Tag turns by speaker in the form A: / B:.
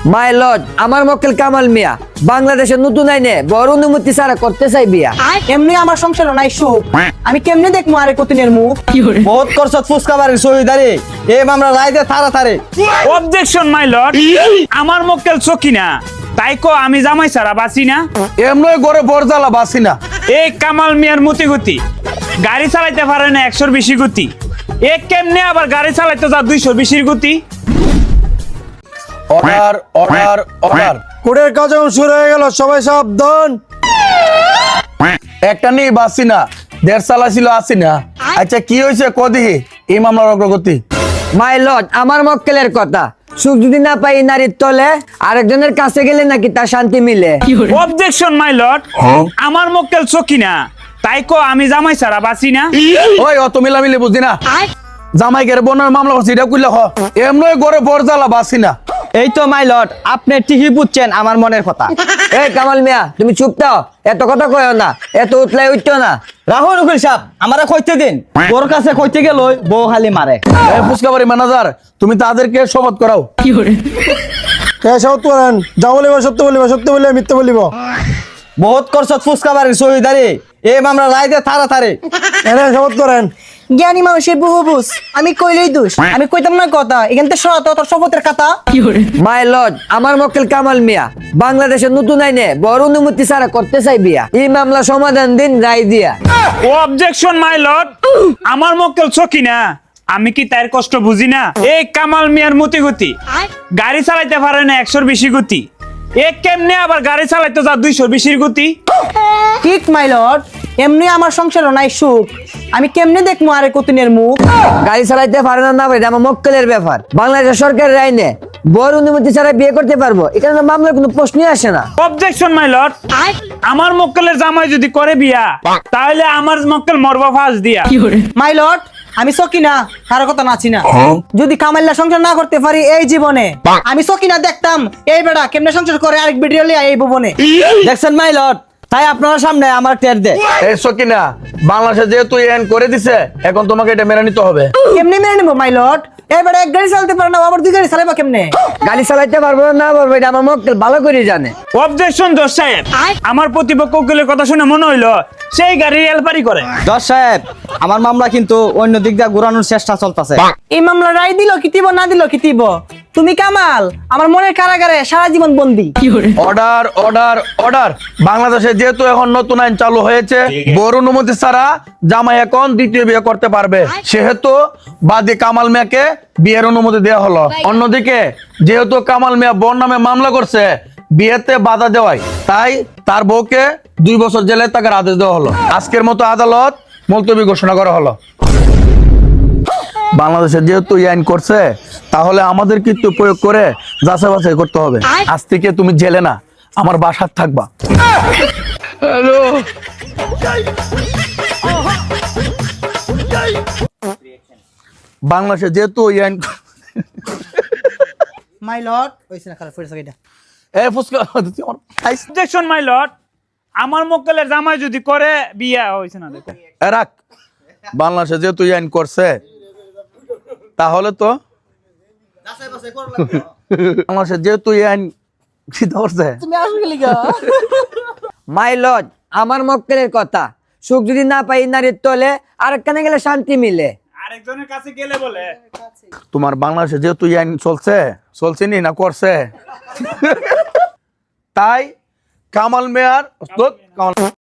A: My lord, আমার মক্কেল কামাল মিয়া বাংলাদেশের নতুন আইনে বড় অনুমতি ছাড়া করতে চাই বিয়া।
B: এমনি আমার সংসার নাই সুখ, আমি কেমনে দেখবো আরে কতিনের মুখ।
C: বহুত করছত ফুসকা বাড়ির শহীদারি এই মামলা রাইতে থারা থারে।
D: অবজেকশন মাই লর্ড, আমার মক্কেল চকি না, তাই কো আমি জামাই ছাড়া বাঁচি না।
C: এমনই গড়ে বরজালা বাসি না।
D: এই কামাল মিয়ার মতি গতি, গাড়ি চালাইতে পারে না 100-র বেশি গতি। এ কেমনে আবার গাড়ি চালাইতে যা 200-র বেশির গতি।
C: Order order order.
E: কোর্টের কাজ এখন শুরু হয়ে গেল, সবাই সাবধান।
C: একটা নেই বাসি না, 1.5 সালা ছিল আসি না। আচ্ছা কি হয়েছে কদি এই মামলার অগ্রগতি?
A: মাই লর্ড, আমার মক্কেলের কথা, সুখ যদি না পাই নারীর তলে, আরেকজনের কাছে গেলে নাকি তার শান্তি মিলে।
D: অবজেকশন মাই লর্ড, আমার মক্কেল চকি না, তাই কো আমি জামাই ছাড়া বাঁচি না।
C: ওই অত মিলামিলি বুঝি না। জামাই গেরে বোনের মামলা করছি এটা কইলে হ। এমনই গড়ে বরজালা বাসি না।
F: এই তো মাই লর্ড, আপনি ঠিকই বুঝছেন আমার মনের কথা।
A: এই কামাল মিয়া, তুমি চুপ থাও, এত কথা কয়ো না, এত উঠলাই উঠতো না।
F: রাহুল উকিল সাহেব, আমারে কইতে দিন। ওর কাছে কইতে গেল বউ খালি মারে।
C: এই ফুসকা বাড়ি ম্যানেজার, তুমি তাদেরকে শপথ করাও।
E: শপথ করেন, যা বলিব সত্য বলিব, সত্য বলিব মিথ্যা বলিব।
C: বহুত করছত ফুসকা বাড়ির শহীদারি এই মামলা রাইতে থারা থারে।
E: এনে শপথ করেন।
B: জ্ঞানী মানুষের বহু বুঝ, আমি কইলেই দোষ, আমি কইতাম না কথা, এখান থেকে সরাত তোর শপথের কথা।
A: মাই লর্ড, আমার মক্কেল কামাল মিয়া বাংলাদেশের নতুন আইনে বড় অনুমতি ছাড়া করতে চাই বিয়া। এই মামলা সমাধান দিন রায় দিয়া।
D: অবজেকশন মাই লর্ড, আমার মক্কেল চকি না, আমি কি তার কষ্ট বুঝি না। এই কামাল মিয়ার মতি গতি, গাড়ি চালাইতে পারে না 100-র বেশি গতি। এ কেমনে আবার গাড়ি চালাইতে যা 200-র বেশির গতি।
B: ঠিক মাই লর্ড, এমনি আমার সংসার নাই সুখ, আমি কেমনে দেখবো আরে কতিনের মুখ।
A: গাড়ি চালাইতে পারে না, না ভাই, এটা আমার মক্কেলের ব্যাপার। বাংলাদেশ সরকারের আইনে বড় অনুমতি ছাড়া বিয়ে করতে পারবো, এখানে তো মামলার কোনো প্রশ্নই আসে না।
D: অবজেকশন মাই লর্ড, আমার মক্কেলের জামাই যদি করে বিয়া, তাহলে আমার মক্কেল মরবা ফাঁস দিয়া।
B: মাই লর্ড, আমি সকি না, কারো কথা নাচি না। যদি কামাইল্লা সংসার না করতে পারি এই জীবনে, আমি সকি না দেখতাম এই বেটা কেমনে সংসার করে আরেক ভিডিও লিয়া এই ভুবনে।
F: দেখছেন মাই লর্ড, তাই আপনার সামনে আমার টের দে।
C: এই সকিনা, বাংলাদেশে যেহেতু এন করে দিছে, এখন তোমাকে এটা মেনে নিতে হবে।
B: কেমনে মেনে নেবো মাই লর্ড? এই বেটা এক গাড়ি চালাতে পারে না, আবার 2 গাড়ি চালাবা কেমনে?
A: গাড়ি চালাইতে পারবো না, না পারবো, এটা আমার মক্কেল ভালো করে জানে।
D: অবজেকশন জজ সাহেব, আমার প্রতিপক্ষ উকিলের কথা শুনে মনে হইলো সেই গাড়ি এলপারি করে।
F: জজ সাহেব, আমার মামলা কিন্তু অন্য দিক দিয়ে ঘুরানোর চেষ্টা চলতেছে।
B: এই মামলা রায় দিল কি দিব, না দিল কি দিব? তুমি কামাল আমার মনের কারাগারে সারা জীবন বন্দী।
C: Order order order. বাংলাদেশে যেহেতু এখন নতুন আইন চালু হয়েছে, বড় অনুমতি ছাড়া জামাই এখন দ্বিতীয় বিয়ে করতে পারবে, সেহেতু বাদী কামাল মিয়াকে বিয়ের অনুমতি দেওয়া হলো। অন্যদিকে যেহেতু কামাল মিয়া বোন নামে মামলা করছে, বিয়েতে বাধা দেওয়ায়, তাই তার বউকে 2 বছর জেলে তাকে আদেশ দেওয়া হলো। আজকের মতো আদালত মুলতবি ঘোষণা করা হলো। বাংলাদেশে যেহেতু এই আইন করছে, তাহলে আমাদের কিন্তু প্রয়োগ করে যাচাই বাছাই করতে হবে। আজ থেকে তুমি জেলে না, আমার বাসায় থাকবা। হ্যালো, বাংলাদেশে যেহেতু এই আইন
B: মাই লর্ড, হইছে না খারাপ হইছে এটা।
C: এ ফুসকা তুই আমার খাইছ।
D: অবজেকশন মাই লর্ড, আমার মক্কেলের জামাই যদি করে বিয়া হইছে না। দেখো
C: এ রাখ, বাংলাদেশে যেহেতু এই আইন করছে, তাহলে তো বাংলাদেশে যেহেতু এই আইন সিদ্ধ করছে।
A: মাই লর্ড, আমার মক্কেলের কথা, সুখ যদি না পাই নারীর তলে, আরেকখানে গেলে শান্তি মিলে।
D: আরেকজনের কাছে গেলে বলে
C: তোমার বাংলাদেশে যেহেতু এই আইন চলছে নি না করছে, তাই কামাল মেয়ার